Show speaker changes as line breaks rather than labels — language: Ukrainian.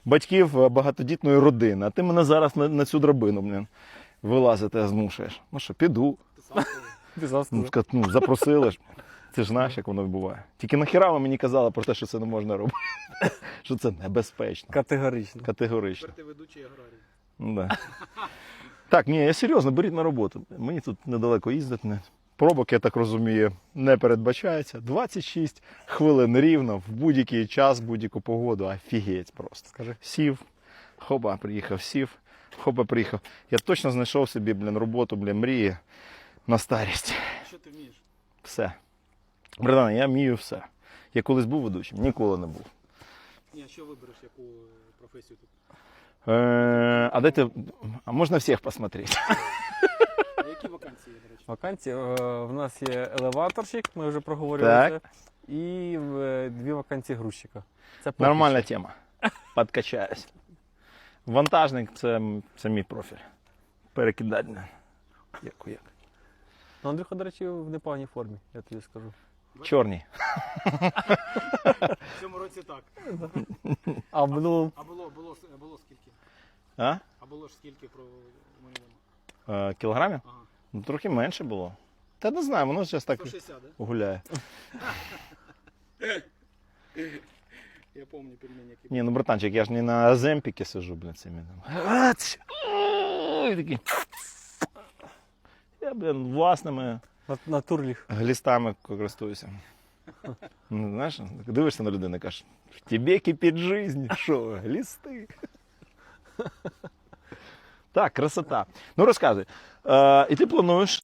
батьків багатодітної родини, а ти мене зараз на цю драбину, блін, вилазити змушуєш. Ну що, піду.
Ти сам сказав.
Ну, запросили ж. Ти ж знаєш, як воно буває. Тільки нахіра ви мені казали про те, що це не можна робити. Що це небезпечно.
Категорично.
Категорично.
Тепер ти ведучий аграрій.
Ну, да. Так, ні, я серйозно, беріть на роботу. Мені тут недалеко їздити. Пробок, я так розумію, не передбачається. 26 хвилин рівно, в будь-який час, будь-яку погоду. Офігеть просто.
Скажи.
Сів, хопа, приїхав, сів, хопа, приїхав. Я точно знайшов собі, блін, роботу, блін, мрії на старість.
Що ти вмієш?
Все. Братан, я вмію все. Я колись був ведучим, ніколи не був.
Ні, а що вибереш, яку професію тут?
А дайте, а можна всіх посмотрети?
А які вакансії, до речі?
Вакансії. В нас є елеваторщик, ми вже проговорили
Так.
це. І 2 вакансії грузчика. Це поки
Нормальна
що.
тема. Подкачаюсь. Вантажник це мій профіль. Перекидати. Як.
Ну, Андрюха, до речі, в непоганій формі, я тобі скажу.
Чорний.
В цьому році так.
А в минулому
А було скільки?
А?
А було ж скільки про минулому?
Кілограмів?
Ага.
Ну, трохи менше було. Та не знаю, воно зараз так
160, да?
гуляє.
Я пам'ятаю пельмені, які
Ні, ну, братанчик, я ж не на Земпіки сижу, блін, цими. Ой, такий. Я, блін, власними
на турліх.
глістами користуюся. Ну, знаєш, дивишся на людину і кажеш, в тебе кипить жизнь, що, глісти? Так, красота. Ну, розказуй. І ти плануєш